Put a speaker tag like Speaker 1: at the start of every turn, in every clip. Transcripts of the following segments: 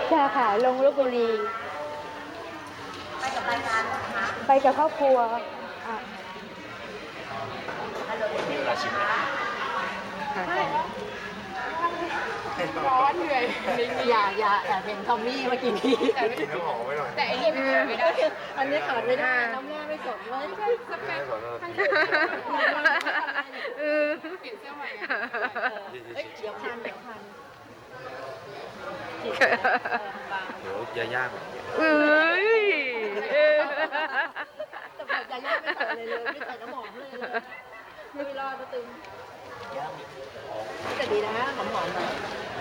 Speaker 1: ใช่ค่ะลงลพบุรีไปกับรายการนะคะไปกับครอบครัวอ่ะ
Speaker 2: มีเวลาชิมไหม
Speaker 3: ร้อนเหนื่อย
Speaker 1: อย่าแอบเห็นทอมมี่เมื่อกี้นี้
Speaker 2: กินน้ำหอมไว้หน่อย
Speaker 3: แต่อันนี้ไม่ขาดไม่ได้
Speaker 1: อันนี้ขาดไม่ได้น้ำแม่ไม่สดเลย
Speaker 3: สเปค
Speaker 2: ขอโทษ
Speaker 3: เปลี่ยนเสื้อใหม่อะ
Speaker 1: เอ้ยเดี๋ยวพันเดี๋ยวพัน
Speaker 2: เดี๋ยวยาย่าก่อน
Speaker 1: เอ้ยแต่แบบจะย่าไม่ใส่อะไรเลยไม่ใส่น้ำหอมเลยไม่รอดนะตึงแต่ดีนะหอมๆหน่อย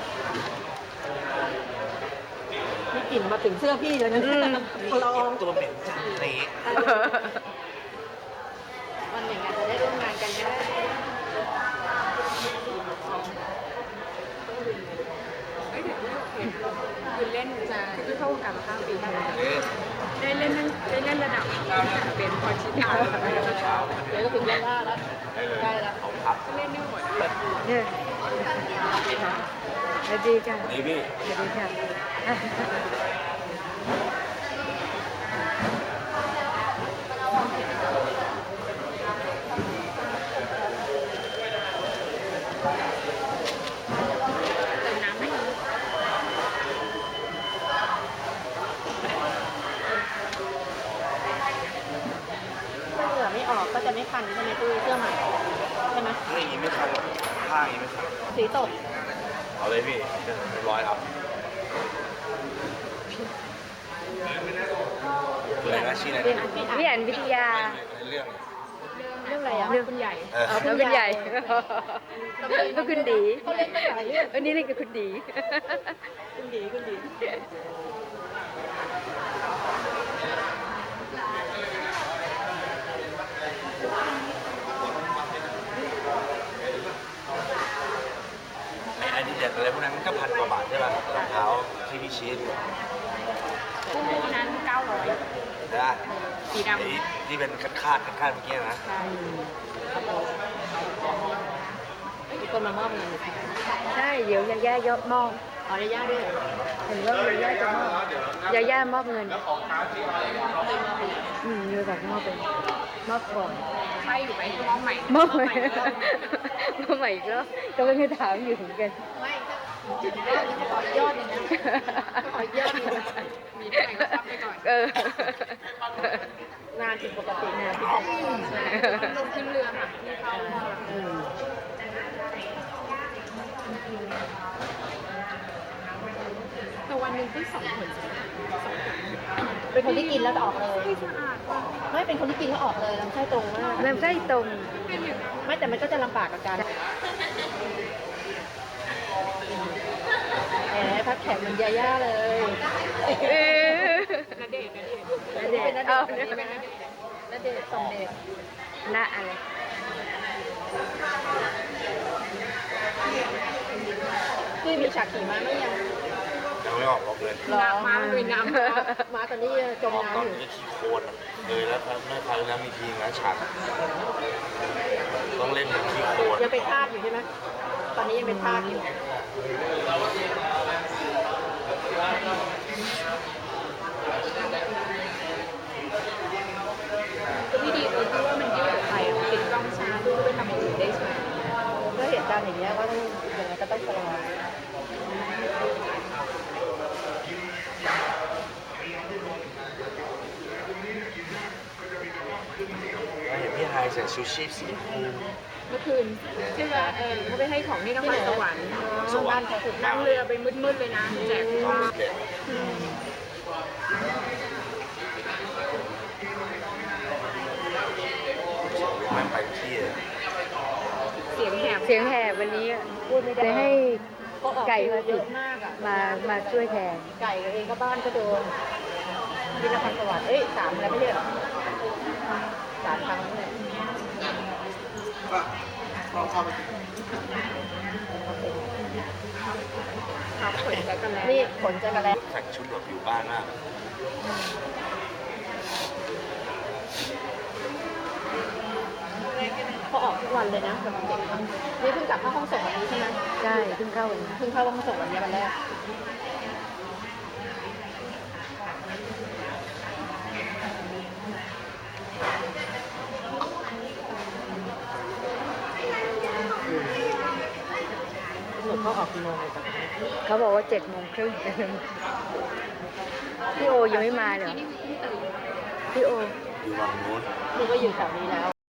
Speaker 1: มีกลิ่นมาถึงเสื้อพี่เลยนะลอง
Speaker 2: ตัวเหม็นจังเลย
Speaker 1: วันหนึ่งอาจจะได้ร่วมงานกันก็ได้
Speaker 3: เฮ้ยเดี๋ยวโอเคคือเล่นคือเข้าวงการมา5 ปีได้ ได้เล่นระดับเป็นพอชิตา
Speaker 1: เดี๋ยวก็ถึงเล่นล่าแล้วใกล้แล้ว
Speaker 2: ของพับ
Speaker 3: เล่นไม่หมด
Speaker 1: เนี่ยสวัสดีค่ะ
Speaker 2: นี่พี่
Speaker 1: สวัสดีค่ะ
Speaker 3: เติมน้ำให้
Speaker 1: ถ้าเหงื่อไม่ออกก็จะไม่คันใช่ไหมตุ้ยเสื้อใหม่ใช่ไหม
Speaker 2: นี่อย่างนี้ไม่คันหรอกผ้าอย่างนี้ไม่คัน
Speaker 1: สีตก
Speaker 2: เอาเลยพี่เรียบร้อยครับเลยนะชื่ออะไรนะ
Speaker 1: พี่อ่านวิทยา
Speaker 2: เรื่อง
Speaker 1: เรื่องอะไรอ่ะ
Speaker 3: เรื่องคุณใหญ่
Speaker 1: แล้วคุณใหญ่แล้วคุณดี
Speaker 3: เขาเล่นตั้งหลายเรื่อง
Speaker 1: วันนี้เล่นกับคุณดี
Speaker 3: คุณดีคุณดี
Speaker 2: ไอ้ที่เด็ดอะไรพวกนั้นก็1,000 กว่าบาทใช่ป่ะรองเท้าที่พี่ชี้ดู
Speaker 3: คู่นั้น900
Speaker 2: นะ
Speaker 3: สีดำ
Speaker 2: ไอ้ที่เป็นคาดเมื่อกี้นะ
Speaker 3: ใช่
Speaker 1: มีคนมามอบเงิน
Speaker 4: ใช่เดี๋ยวยาย่ายกมอบ
Speaker 1: ขออนุญาตด้วย
Speaker 4: เห็นว่ายาย่าจะมอบยาย่ามอบเงินอยู่แบบมอบเป็นมอบก่อน
Speaker 3: ใช่อยู่ไหมมองใหม่
Speaker 4: มอบใหม่มอบใหม่อีก็ก็ไม่ได้ถามอยู่เหมือนกัน
Speaker 1: ไม่ขอยอดหนึ่งนะขอยอดหนึ่งนะ
Speaker 3: มีเท่าไหร่ก็ซับไปก่อน
Speaker 1: งานผิดปกติงานผิดปกติ
Speaker 3: ลงขึ้นเรือค่ะที่เขาแต่วันหนึ่งที่2 คน2
Speaker 1: เป็นคนที่กินแล้วออกเลย
Speaker 3: ไม่สะอาดว่ะ
Speaker 1: ไม่เป็นคนที่กินแล้วออกเลยลำไส้ตรงมาก
Speaker 4: ลำไส้ตรง
Speaker 3: เป็นอย่างนั้น
Speaker 1: ไม่แต่มันก็จะลำบากกับการแหมพักแขกเหมันยาย่าเลย
Speaker 3: ณเดชน์
Speaker 4: แล้วเด็ดเอา
Speaker 1: ณเดชน์ส่งเดชน์
Speaker 4: หน้าอะไร
Speaker 1: พี่มีฉากขี่ม้าไหมยัง
Speaker 2: ยังไม่ออกบอกเลย
Speaker 3: น้ำมาลุยน้ำ
Speaker 1: ม้าตอนนี้จม
Speaker 2: ออกตอน
Speaker 1: น้ำอยู่
Speaker 2: นี้ขี้โคลนอะเลยแล้วไม่ครั้งแล้วมีทีนะฉากต้องเล่นเป็นขี้โคลน
Speaker 1: ยังเป็นทาสอยู่ใช่ไหมตอนนี้ยังเป็นทาสอยู่
Speaker 3: คือพี่ดีตรงที่ว่ามันยืดไปติดกล้องช้าด้วยไปทำอย่างอื่นได้ใช่ไหม
Speaker 1: ก็เหตุการณ์อย่างเงี้ยว่าต้องยังไงก็ต้องชะลอ
Speaker 2: เห็นพี่ไฮใส่ชูชีพสีชมพู
Speaker 3: เมื่อคืนใช่ไหมเขาไปให้ของที่นครสวรรค์
Speaker 1: บ้านเขาถูก
Speaker 3: นั่งเรือไปมืดๆเลยนะแจก
Speaker 2: น้อง
Speaker 3: ข้าว
Speaker 2: เด็ดมันไปที่
Speaker 3: เสียงแหบ
Speaker 4: เสียงแหบวันนี้พูดไม่ได้ให้
Speaker 1: ก็ออก
Speaker 4: ไก่
Speaker 1: เย
Speaker 4: มาติ
Speaker 1: อะ
Speaker 4: ด
Speaker 1: มากอ่ะ
Speaker 4: มาช่วยแทน
Speaker 1: ไก่เองก็บ้านก็โดนที่นครสวรรค์เอ้ย3แล้วไม่ใช่เหรอ3 ครั้งเลย
Speaker 3: ครับผลแล้วกันแล้ว
Speaker 1: นี่ผลจะกระแล
Speaker 2: แต่งชุดแบบอยู่บ้านมาก
Speaker 1: เขาออกทุกวันเลยนะแบบเด็กอะนี่เพิ่งกลับเข้าห้องส่งวันนี้ใช่ไหม
Speaker 4: ใช่เพิ่งเข้าวันนี้
Speaker 1: เพิ่งเข้าห้องส่งวันนี้วันแรกเขาออกกี่โมงเลยจ้ะ
Speaker 4: เขาบอกว่า7:30พี่โอยังไม่มาเหรอพี่โอ
Speaker 2: อยู่ฝั่งนู้น
Speaker 1: คือก็อยู่แถวนี้แล้ว